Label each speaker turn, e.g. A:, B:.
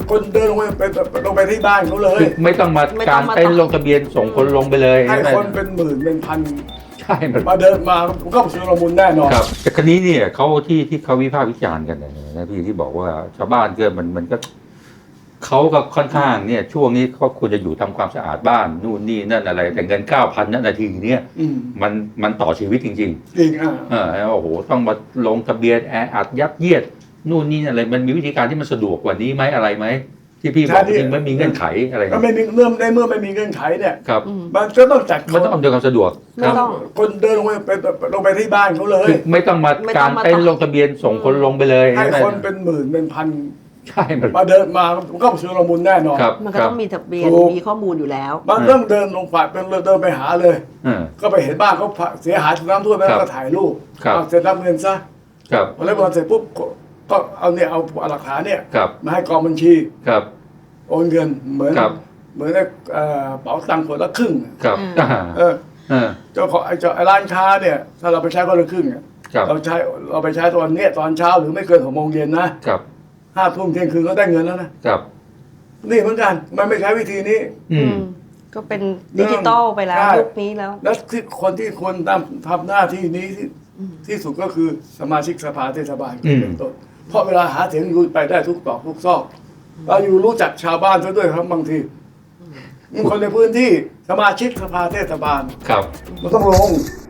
A: คนเดินลงไปที่บ้านเขาเลย
B: ไม่ต้องมาการเต้นลงทะเบียนส่งคนลงไปเลย
A: ให้คนเป็นหมื่นเป็นพัน
B: ใช่
A: มาเดินมาก็ชุลมุนแน่นอน
B: ครับแต่ครั้นี้เนี่ยเขาที่เขาวิพากษ์วิจารณ์กันนะพี่ที่บอกว่าชาวบ้านมันก็เขาก็ค่อนข้างเนี่ยช่วงนี้เขาควรจะอยู่ทำความสะอาดบ้านนู่นนี่นั่นอะไรแต่เงิน 9,000 นาทีเนี่ยมันต่อชีวิตจริง
A: จริง
B: โอ้โหต้องมาลงทะเบียนแออัดยัดเยียดนู่นนี่อะไรมันมีวิธีการที่มันสะดวกกว่านี้ไหมอะไรไหมที่พี่บอกจริงไม่มีเงื่อนไขอะไร
A: ก็ไม่มีเมื่อไม่มีเงื่อนไขเนี่ย
B: ครับ
A: มันก็ต้องจัด
B: มันต้องอำนวยความสะดวก
A: ครับคนเดินลงไปที่บ้านเขาเลย
B: ไม่ต้องมาการเต้นลงทะเบียนส่งคนลงไปเลย
A: ให้คนเป็นหมื่นเป็นพัน
B: ใช่
A: มาเดินมาก็ชุลมุนแน่นอน
C: มันก็ต้องมีทะเบียนมีข้อมูลอยู่แล้ว
A: มันต้องเดินลงฝ่ายเดินไปหาเลยก็ไปเห็นบ้านเขาเสียหายถูกน้ำท่วมแล้วก็ถ่ายรูปเสร็จรับเงินซะพอได้เงินเสร็จปุ๊บก็เอาหลักฐานเนี่ยมาให้กองบัญชีโอนเงินเหมือนเป๋าตังค์คนละครึ่งเจ้าของไอ้ร้านค้าเนี่ยถ้าเราไปใช้คนละครึ่งเราไปใช้ตอนเช้าหรือไม่เกิน6 โมงเย็นนะ5 ทุ่มเที่ยงคืนก็ได้เงินแล้วนะนี่เหมือนกันมันไม่ใช้วิธีนี้
C: ก็เป็นดิจิตอลไปแล้วยุคนี้แล้ว
A: ที่คนที่ควรทำหน้าที่นี้ที่สุดก็คือสมาชิกสภาเทศบาลเป็นต้นเพราะเวลาหาเสียงอยู่ไปได้ทุกตอกทุกซอกเราอยู่รู้จักชาวบ้านซะด้วยครับบางทีคนในพื้นที่สมาชิกสภาเทศบาลมันต้องลง